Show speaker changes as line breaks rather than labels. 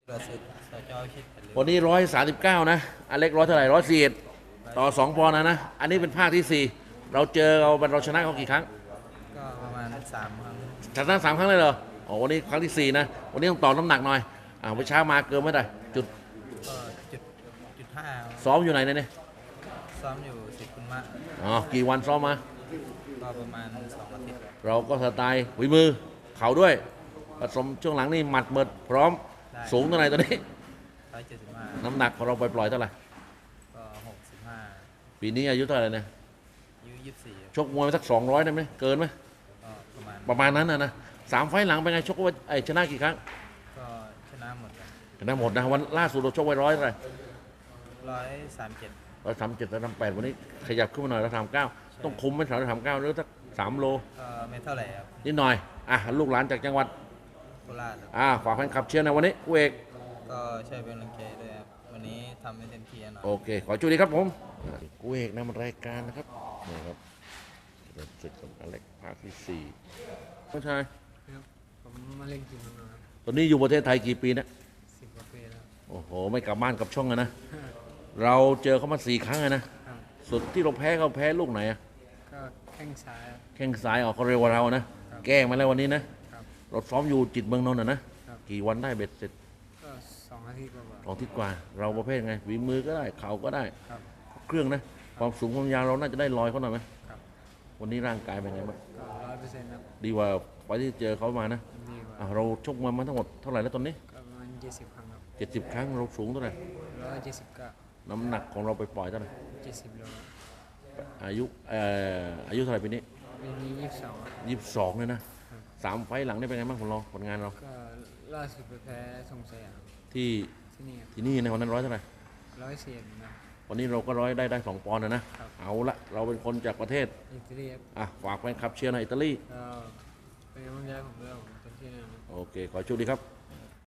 ประสิทธิ์สจชิดผลิต
วันนี้139นะอเล็กร้อยเท่าไหร่141ต่อ2 ปอนด์นะอันนี้เป็นภาคที่ 4เราเจอเราชนะเขากี่ครั้ง
ก็ประมาณ3 ครั้ง
ชนะ3 ครั้งเลยเหรออ๋อวันนี้ครั้งที่ 4นะวันนี้ต้องต่อน้ำหนักหน่อยไปเช้ามาเกินไม่ได้จุด
ก็จุด 5
ซ้อมอยู่ไหนเนี่ย
ซ้อมอยู่สิบคุณมะ
อ๋อกี่วันซ้อมมา
ก็ประมาณ2 อาทิตย์
เราก็สไตล์ฝีมือเข่าด้วยผสมช่วงหลังนี่หมัดเมิดพร้อมสูงเท่าไหร่ตอนนี้
175
น้ำหนักของเราปล่อยๆเท่าไหร่
ก็65
ปีนี้อายุเท่าไหร่เนี่ย
อายุ24
ชกมวยมาสัก200ได้ไหมเกินไหม
ก็
ประมาณนั้นนะ3 ไฟล์หลังเป็นไงชกว่าชนะกี่ครั้ง
ก็ชนะหมด
ชนะหมดนะวันล่าสุดเราชกไว้100เท่าไหร่
137
137 138วันนี้ขยับขึ้นมาหน่อย139ต้องคุมไหม139หรือสัก3 โล
ไม่เท่าไหร่ครับ
นิดหน่อยลูกหลานจากจังหวัด
โคราช
ฝากแฟนคลับเชียร์ในวันนี้กูเอก
ก็ช่วยเป็นกำลังใจด้วยครับวันนี้ทำให้เต็มที่หน่อย
โอเคขอจุดีครับผมกูเอกนำรายการนะครับนี่ครับเป็นศึกกับอเล็กภาคที่4ผู้ชาย
ครับผมมาเล่นกีฬาครับ
ตอนนี้อยู่ประเทศไทยกี่ปีนะ
10 กว่าปีแล้ว
โอ้โหไม่กลับบ้านกับช่องนะเราเจอเขามา4 ครั้งนะสุดที่เราแพ้เขาแพ้ลูกไหน
ก็แข้งซ้าย
แข้งซ้ายเขาเร็วกว่าเรานะแก้มาแล้ววันนี้นะเราซ้อมอยู่จิตเมืองนนท์นะกี่วันได้เบ็ดเสร็จ
ก็2 อาทิตย์กว่า
2 อาทิตย์กว่าเราประเภทไงฝีมือก็ได้เข่าก็ได้เครื่องนะความสูงความยาวเราน่าจะได้ลอยเขาหน่อยไหมวันนี้ร่างกายเป็นไงบ้าง
ก็100%ครับ
ดีกว่าไปที่เจอเขามานะเราชกมาทั้งหมดเท่าไหร่แล้วตอนนี้
ก็ประมาณ70 ครั้งครับ
70 ครั้งเราสูงเท่าไหร่
179
น้ำหนักของเราไปปล่อยเท่าไหร่
70 โล
อายุเท่าไหร่ปีนี้
ปีนี้
22เลยนะ3 ไฟล์หลังนี่เป็นไงบ้างของเราผลงานเรา
ก็ล่าสุดไปแพ้ทรงสยาม
ที่นี่ในวันนั้น100เท่าไหร่
104นะ
วันนี้เราก็ได้2 ปอนด์นะเอาละเราเป็นคนจากประเทศ
อิตาลี
ฝากแฟนคลับเชียร์ในอิตาลี
เป็นกำลังใจผมด้วยผมเต็มที่นะ
โอเคขอโชคดีครับ